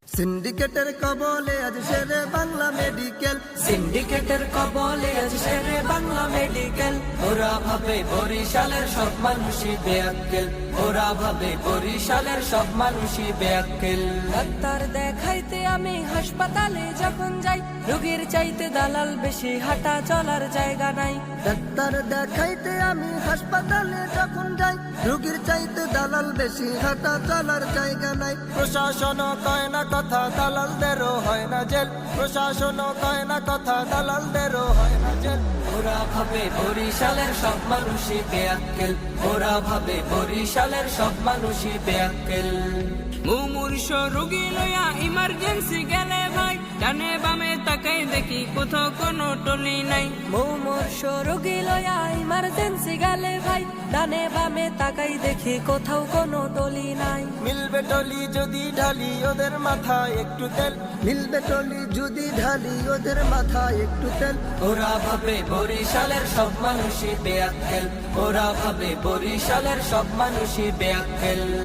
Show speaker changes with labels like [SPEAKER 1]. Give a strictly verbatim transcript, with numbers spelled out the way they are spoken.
[SPEAKER 1] সিন্ডিকেটের কবলে আজ শেরে বাংলা মেডিকেল,
[SPEAKER 2] সিন্ডিকেটের কবলে আজ শেরে বাংলা মেডিকেল। ওরা ভাবে বরিশালের সব মানুষই বেআক্কেল, ওরা ভাবে বরিশালের সব মানুষই বেআক্কেল। ডাক্তার দেখাইতে আমি হাসপাতালে যখন যাই, রোগীর চাইতে দালাল বেশি, হাঁটা চলার জায়গা নাই।
[SPEAKER 1] ডাক্তার দেখাইতে আমি হাসপাতালে যখন যাই, রোগীর চাইতে দালাল বেশি, হাঁটা চলার জায়গা নাই। প্রশাসন কয় না কথা, দালালদেরও হয় না জেল, প্রশাসন কয় না কথা, দালালদেরও হয় না জেল।
[SPEAKER 2] ওরা ভাবে বরিশালের সব মানুষই বেআক্কেল, ওরা ভাবে বরিশালের সব মানুষই বেআক্কেল।
[SPEAKER 3] মুমূর্ষ রোগী লইয়া ইমার্জেন্সি গেলে ভাই, ডানে বামে তাকাই দেখি কোথাও কোনো টলি নাই।
[SPEAKER 2] মুমূর্ষ রোগী লয়া ইমার্জেন্সি গেলে ভাই, ডানে বামে তাকাই দেখি কোথাও কোনো টলি নাই।
[SPEAKER 1] মিলবে টলি যদি ঢালি ওদের মাথায় একটু তেল, মিলবে টলি যদি ঢালি ওদের মাথায় একটু তেল।
[SPEAKER 2] ওরা ভাবে বরিশালের সব মানুষই বেআক্কেল, ওরা ভাবে বরিশালের সব মানুষই বেআক্কেল।